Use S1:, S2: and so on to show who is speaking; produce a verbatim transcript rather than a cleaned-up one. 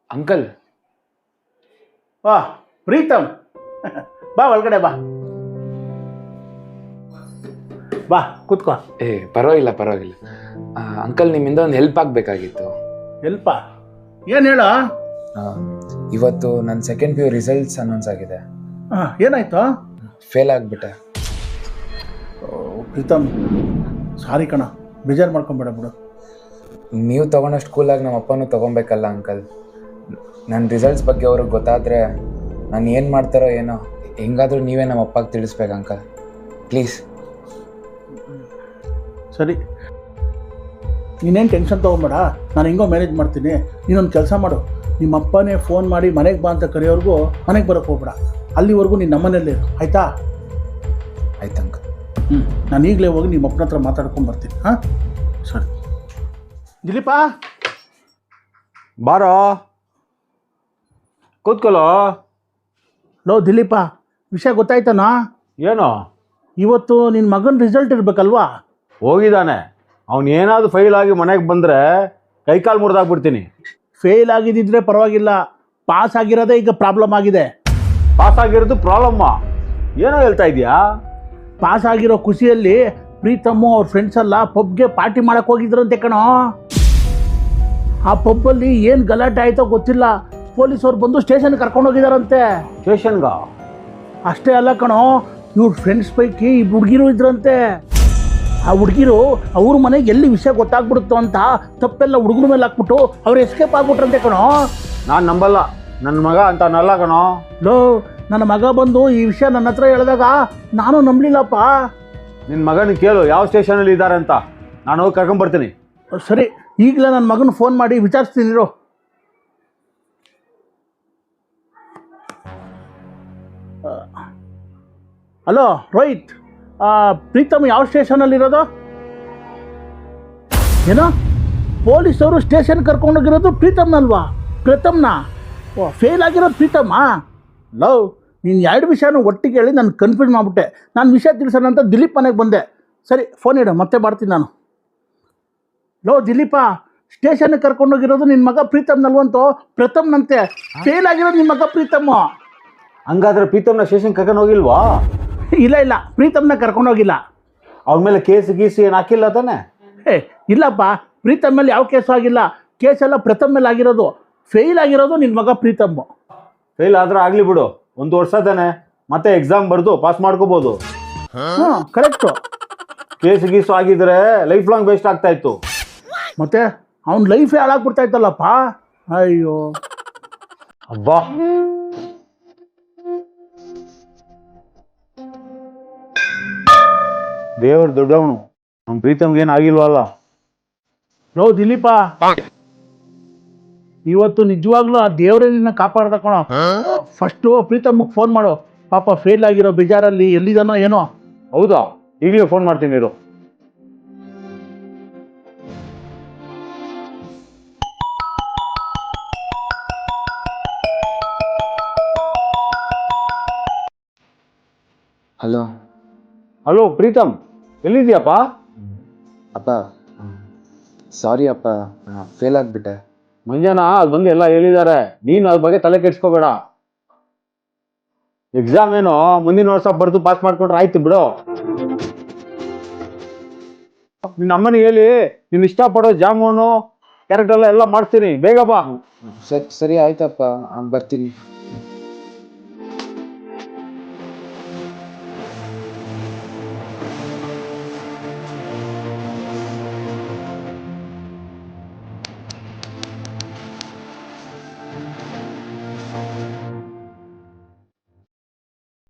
S1: Uncle
S2: ವಾ ಪ್ರೀತಮ್ ಬಾ ಒಳಗಡೆ ಬಾ ಬಾ ಕೂತ್ಕೋ.
S1: ಏ ಪರವಾಗಿಲ್ಲ ಪರವಾಗಿಲ್ಲ ಅಂಕಲ್, ನಿಮ್ಮಿಂದ ಒಂದು ಹೆಲ್ಪ್ ಆಗಬೇಕಾಗಿತ್ತು.
S2: ಹೆಲ್ಪ ಏನು ಹೇಳ?
S1: ಇವತ್ತು ನನ್ನ second P U results announce ಆಗಿದೆ.
S2: ಹಾಂ ಏನಾಯ್ತು?
S1: ಫೇಲ್ ಆಗಿಬಿಟ್ಟೆ.
S2: ಪ್ರೀತಮ್ ಸಾರಿ ಕಣ, ಬೇಜಾರು ಮಾಡ್ಕೊಂಬೇಡ ಬಿಡು.
S1: ನೀವು ತೊಗೊಂಡಷ್ಟು ಕೂಲಾಗಿ ನಮ್ಮ ಅಪ್ಪನೂ ತೊಗೊಬೇಕಲ್ಲ ಅಂಕಲ್. ನನ್ನ ರಿಸಲ್ಟ್ಸ್ ಬಗ್ಗೆ ಅವ್ರಿಗೆ ಗೊತ್ತಾದರೆ ನಾನು ಏನು ಮಾಡ್ತಾರೋ ಏನೋ, ಹೆಂಗಾದರೂ ನೀವೇ ನಮ್ಮ ಅಪ್ಪಗೆ ತಿಳಿಸ್ಬೇಕು ಅಂಕಲ್, ಪ್ಲೀಸ್.
S2: ಸರಿ, ನೀನೇನು ಟೆನ್ಷನ್ ತೊಗೊಂಬೇಡ, ನಾನು ಹೆಂಗೋ ಮ್ಯಾನೇಜ್ ಮಾಡ್ತೀನಿ. ನೀನೊಂದು ಕೆಲಸ ಮಾಡು, ನಿಮ್ಮ ಅಪ್ಪನೇ ಫೋನ್ ಮಾಡಿ ಮನೆಗೆ ಬಾ ಅಂತ ಕರೆಯೋರ್ಗೂ ಮನೆಗೆ ಬರೋಕ್ಕೆ ಹೋಗ್ಬೇಡ. ಅಲ್ಲಿವರೆಗೂ ನೀನು ನಮ್ಮನೇಲೇ ಇರು, ಆಯಿತಾ?
S1: ಆಯ್ತು ಅಂಕಲ್.
S2: ಹ್ಞೂ, ನಾನು ಈಗಲೇ ಹೋಗಿ ನಿಮ್ಮ ಅಪ್ಪನ ಹತ್ರ ಮಾತಾಡ್ಕೊಂಡು ಬರ್ತೀನಿ. ಹಾಂ ಸರಿ. ದಿಲೀಪ
S3: ಬಾರೋ, ಕೂತ್ಕೊಳ್ಳೋ.
S2: ಲೋ ದಿಲೀಪ, ವಿಷಯ ಗೊತ್ತಾಯ್ತಾನಾ?
S3: ಏನು?
S2: ಇವತ್ತು ನಿನ್ನ ಮಗನ ರಿಸಲ್ಟ್ ಇರಬೇಕಲ್ವಾ?
S3: ಹೋಗಿದ್ದಾನೆ. ಅವನು ಏನಾದರೂ ಫೈಲ್ ಆಗಿ ಮನೆಗೆ ಬಂದರೆ ಕೈಕಾಲು ಮುರಿದಾಗ್ಬಿಡ್ತೀನಿ.
S2: ಫೇಲ್ ಆಗಿದ್ದಿದ್ರೆ ಪರವಾಗಿಲ್ಲ, ಪಾಸ್ ಆಗಿರೋದೇ ಈಗ ಪ್ರಾಬ್ಲಮ್ ಆಗಿದೆ.
S3: ಪಾಸ್ ಆಗಿರೋದು ಪ್ರಾಬ್ಲಮ್ಮ? ಏನೋ ಹೇಳ್ತಾ ಇದೆಯಾ?
S2: ಪಾಸ್ ಆಗಿರೋ ಖುಷಿಯಲ್ಲಿ ಪ್ರೀತಮ್ಮು ಅವ್ರ ಫ್ರೆಂಡ್ಸ್ ಎಲ್ಲ ಪಬ್ಗೆ ಪಾರ್ಟಿ ಮಾಡಕ್ಕೆ ಹೋಗಿದ್ರಂತೆ ಕಣೋ. ಆ ಪಬ್ಬಲ್ಲಿ ಏನು ಗಲಾಟೆ ಆಯಿತೋ ಗೊತ್ತಿಲ್ಲ, ಪೊಲೀಸವ್ರು ಬಂದು ಸ್ಟೇಷನ್ಗೆ ಕರ್ಕೊಂಡು ಹೋಗಿದಾರಂತೆ.
S3: ಸ್ಟೇಷನ್ಗ?
S2: ಅಷ್ಟೇ ಅಲ್ಲ ಕಣೋ, ಇವ್ರ ಫ್ರೆಂಡ್ಸ್ ಪೈಕಿ ಈ ಹುಡುಗಿರು ಇದ್ರಂತೆ. ಆ ಹುಡುಗಿರು ಅವ್ರ ಮನೆಗೆ ಎಲ್ಲಿ ವಿಷಯ ಗೊತ್ತಾಗ್ಬಿಡುತ್ತೋ ಅಂತ ತಪ್ಪೆಲ್ಲ ಹುಡುಗರ ಮೇಲೆ ಹಾಕ್ಬಿಟ್ಟು ಅವ್ರು ಎಸ್ಕೇಪ್ ಆಗ್ಬಿಟ್ರಂತೆ ಕಣೋ.
S3: ನಾನು ನಂಬಲ್ಲ, ನನ್ನ ಮಗ ಅಂತ ನಲ್ಲ ಕಣೋ.
S2: ಲೋ, ನನ್ನ ಮಗ ಬಂದು ಈ ವಿಷಯ ನನ್ನ ಹತ್ರ ಹೇಳಿದಾಗ ನಾನು ನಂಬಲಿಲ್ಲಪ್ಪ.
S3: ನಿನ್ನ ಮಗನ ಕೇಳು ಯಾವ ಸ್ಟೇಷನಲ್ಲಿ ಇದ್ದಾರೆ ಅಂತ, ನಾನು ಹೋಗಿ ಕರ್ಕೊಂಬರ್ತೀನಿ.
S2: ಸರಿ, ಈಗಲೇ ನನ್ನ ಮಗನ ಫೋನ್ ಮಾಡಿ ವಿಚಾರಿಸ್ತೀನಿರು. ಹಲೋ ರೋಹಿತ್, ಪ್ರೀತಮ್ ಯಾವ ಸ್ಟೇಷನಲ್ಲಿರೋದು? ಏನೋ ಪೊಲೀಸವರು ಸ್ಟೇಷನ್ ಕರ್ಕೊಂಡೋಗಿರೋದು ಪ್ರೀತಮ್ನಲ್ವಾ? ಪ್ರೀತಮ್ನ? ಓ, ಫೇಲ್ ಆಗಿರೋದು ಪ್ರೀತಮ್ಮ? ಲವ್, ನೀನು ಎರಡು ವಿಷಯನೂ ಒಟ್ಟಿಗೆ ಹೇಳಿ ನಾನು ಕನ್ಫ್ಯೂಸ್ ಮಾಡಿಬಿಟ್ಟೆ. ನಾನು ವಿಷಯ ತಿಳಿಸೋಣ ಅಂತ ದಿಲೀಪ್ ಮನೆಗೆ ಬಂದೆ. ಸರಿ, ಫೋನ್ ಇಡು, ಮತ್ತೆ ಮಾಡ್ತೀನಿ ನಾನು. ಲೋ ದಿಲೀಪ, ಸ್ಟೇಷನ್ಗೆ ಕರ್ಕೊಂಡೋಗಿರೋದು ನಿನ್ನ ಮಗ ಪ್ರೀತಮ್ನಲ್ವಂತೋ? ಪ್ರಥಮ್ನಂತೆ. ಫೇಲ್ ಆಗಿರೋದು ನಿಮ್ಮ ಮಗ ಪ್ರೀತಮ್ಮ.
S3: ಹಂಗಾದ್ರೆ ಪ್ರೀತಮ್ನ ಸ್ಟೇಷನ್ ಕರ್ಕೊಂಡು ಹೋಗಿಲ್ವಾ?
S2: ಇಲ್ಲ ಇಲ್ಲ, ಪ್ರೀತಮ್ನ ಕರ್ಕೊಂಡೋಗಿಲ್ಲ.
S3: ಅವ್ರ ಮೇಲೆ ಕೇಸ್ ಗೀಸ್ ಏನು ಹಾಕಿಲ್ಲ ತಾನೆ?
S2: ಏ ಇಲ್ಲಪ್ಪ, ಪ್ರೀತಮ್ ಮೇಲೆ ಯಾವ ಕೇಸು ಆಗಿಲ್ಲ. ಕೇಸೆಲ್ಲ ಪ್ರಥಮ್ ಮೇಲೆ ಆಗಿರೋದು. ಫೇಲ್ ಆಗಿರೋದು ನಿನ್ನ ಮಗ ಪ್ರೀತಮ್ಮು.
S3: ಫೇಲ್ ಆದ್ರೆ ಆಗಲಿ ಬಿಡು, ಒಂದು ವರ್ಷ ತಾನೆ, ಮತ್ತೆ ಎಕ್ಸಾಮ್ ಬರೆದು ಪಾಸ್ ಮಾಡ್ಕೋಬೋದು.
S2: ಹ್ಞೂ ಕರೆಕ್ಟು.
S3: ಕೇಸ್ ಗೀಸು ಆಗಿದ್ರೆ ಲೈಫ್ ಲಾಂಗ್ ವೇಸ್ಟ್ ಆಗ್ತಾ ಇತ್ತು.
S2: ಮತ್ತೆ ಅವ್ನ ಲೈಫೇ ಹಾಳಾಗ್ಬಿಡ್ತಾ ಇತ್ತಲ್ಲಪ್ಪ. ಅಯ್ಯೋ
S3: ಅಬ್ಬಾ, ದೇವ್ರ ದೊಡ್ಡವನು, ನಮ್ಮ ಪ್ರೀತಮ್ಗೆ ಏನು ಆಗಿಲ್ವಲ್ಲ.
S2: ಲೋ ದಿಲೀಪ, ಇವತ್ತು ನಿಜವಾಗ್ಲೂ ಆ ದೇವರೇ ನಿನ್ನ ಕಾಪಾಡ್ದ ಕಣೋ. ಫಸ್ಟು ಪ್ರೀತಮ್ಗೆ ಫೋನ್ ಮಾಡು, ಪಾಪ ಫೇಲ್ ಆಗಿರೋ ಬೇಜಾರಲ್ಲಿ ಎಲ್ಲಿದಾನೋ ಏನೋ.
S3: ಹೌದಾ? ಈಗಲೇ ಫೋನ್ ಮಾಡ್ತೀನಿ ಇರು.
S1: ಹಲೋ.
S3: ಹಲೋ ಪ್ರೀತಮ್, ಎಲ್ಲಿದ್ಯಪ್ಪ?
S1: ಅಪ್ಪ ಸಾರಿ ಅಪ್ಪ, ಫೇಲ್ ಆಗಿಬಿಟ್ಟೆ.
S3: ಮಂಜಾನ ಅದು ಬಂದು ಎಲ್ಲ ಹೇಳಿದ್ದಾರೆ, ನೀನು ಅದ್ರ ಬಗ್ಗೆ ತಲೆ ಕೆಡ್ಸ್ಕೋಬೇಡ. ಎಕ್ಸಾಮ್ ಏನೋ ಮುಂದಿನ ವರ್ಷ ಬರೆದು ಪಾಸ್ ಮಾಡ್ಕೊಂಡ್ರೆ ಆಯ್ತು ಬಿಡು. ನಿನ್ನ ಅಮ್ಮನಿಗೆ ಹೇಳಿ ನೀನು ಇಷ್ಟಪಡೋ ಜಾಮೂನು ಕ್ಯಾರೆಕ್ಟರ್ ಎಲ್ಲ ಎಲ್ಲ ಮಾಡಿಸ್ತೀನಿ, ಬೇಗ ಬಾ.
S1: ಸರಿ ಸರಿ ಆಯ್ತಪ್ಪ, ಬರ್ತೀನಿ.